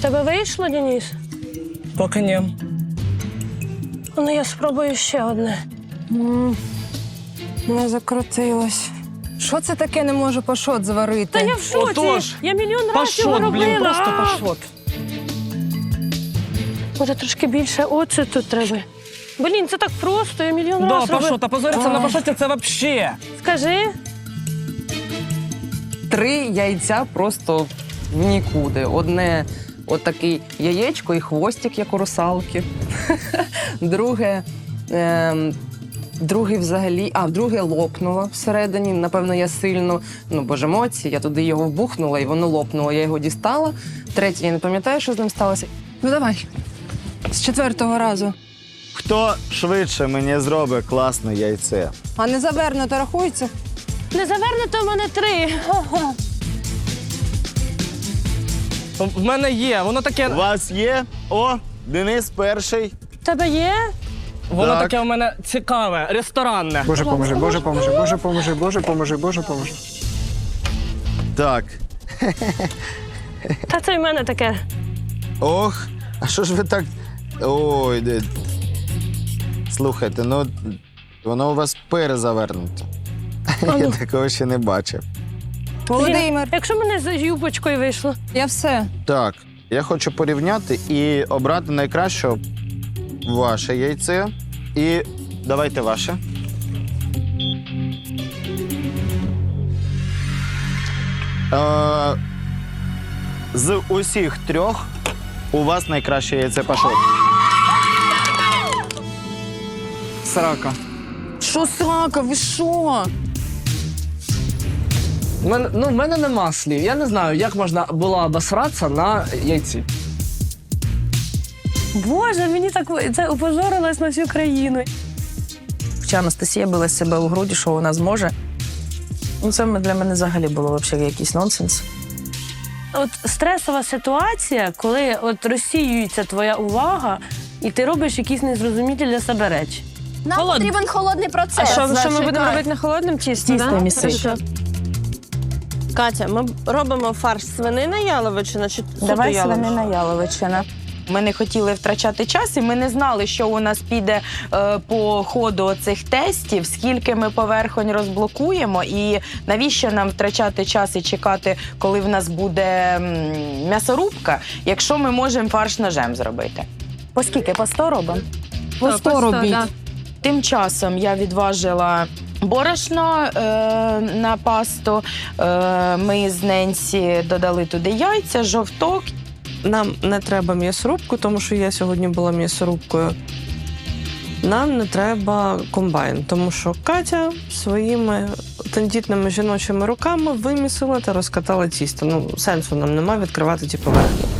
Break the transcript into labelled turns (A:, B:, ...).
A: тебе вийшло, Денис?
B: Поки ні.
A: Ну, я спробую ще одне.
C: Не закрутилось. Що це таке не можу пашот зварити?
A: Та я в шоці.
B: Отож,
A: Я мільйон разів його
B: Пашот,
A: робила.
B: блін, просто
A: А!
B: пашот.
A: Може, трошки більше оцету треба. Блін, це так просто, я мільйон
B: Да,
A: разів робила.
B: пашот, а позориться на пашоті це вообще.
A: Скажи.
C: 3 яйця просто в нікуди. Одне отакий яєчко і хвостик, як у русалки. Друге взагалі, друге лопнуло всередині. Напевно, я сильно, бо ж емоції, я туди його вбухнула, і воно лопнуло. Я його дістала. Третє, я не пам'ятаю, що з ним сталося. Ну, давай. З 4-го разу.
D: Хто швидше мені зробить класне яйце?
C: А не завернуто рахується?
A: Не завернуто в мене 3.
B: В мене є, воно таке,
D: У вас є? О, Денис перший.
A: Тебе є?
B: воно
D: Так.
B: таке у мене цікаве, ресторанне.
E: Боже поможи, Боже поможи, Боже поможи, Боже поможи, Боже поможи.
D: Так.
A: Та це в мене таке.
D: Ох, а що ж ви так. Ой, слухайте, воно у вас перезавернуте. Я такого ще не бачив.
C: Володимир,
A: Якщо мене з юбочкою вийшло.
C: я все.
D: Так, я хочу порівняти і обрати найкраще ваше яйце. І давайте ваше. З усіх 3 у вас найкраще яйце пашот.
E: Срака.
C: Що срака, ви що?
B: В мене нема слів. Я не знаю, як можна було обосратися на яйці.
A: Боже, мені так це опозорилось на всю країну.
F: Хоча Анастасія била себе у груді, що вона зможе. Це для мене взагалі було взагалі якийсь нонсенс.
A: От стресова ситуація, коли от розсіюється твоя увага, і ти робиш якісь незрозумілі для себе речі.
G: Нам потрібен холодний процес.
A: А що ми
G: Значить,
A: будемо
G: так.
A: робити на холодному тісті?
F: Тісто місити.
H: Катя, ми робимо фарш свинина яловичина чи
F: Давай
H: яловичина?
F: свинина яловичина. Ми не хотіли втрачати час, і ми не знали, що у нас піде по ходу цих тестів, скільки ми поверхонь розблокуємо, і навіщо нам втрачати час і чекати, коли в нас буде м'ясорубка, якщо ми можемо фарш ножем зробити. По скільки? По 100 робимо?
C: По 100 робіть.
A: да.
F: Тим часом я відважила борошно на пасту. Ми з Ненсі додали туди яйця, жовток.
H: Нам не треба м'ясорубку, тому що я сьогодні була м'ясорубкою. Нам не треба комбайн, тому що Катя своїми тендітними жіночими руками вимісила та розкатала тісто. Сенсу нам немає відкривати ті поверхні.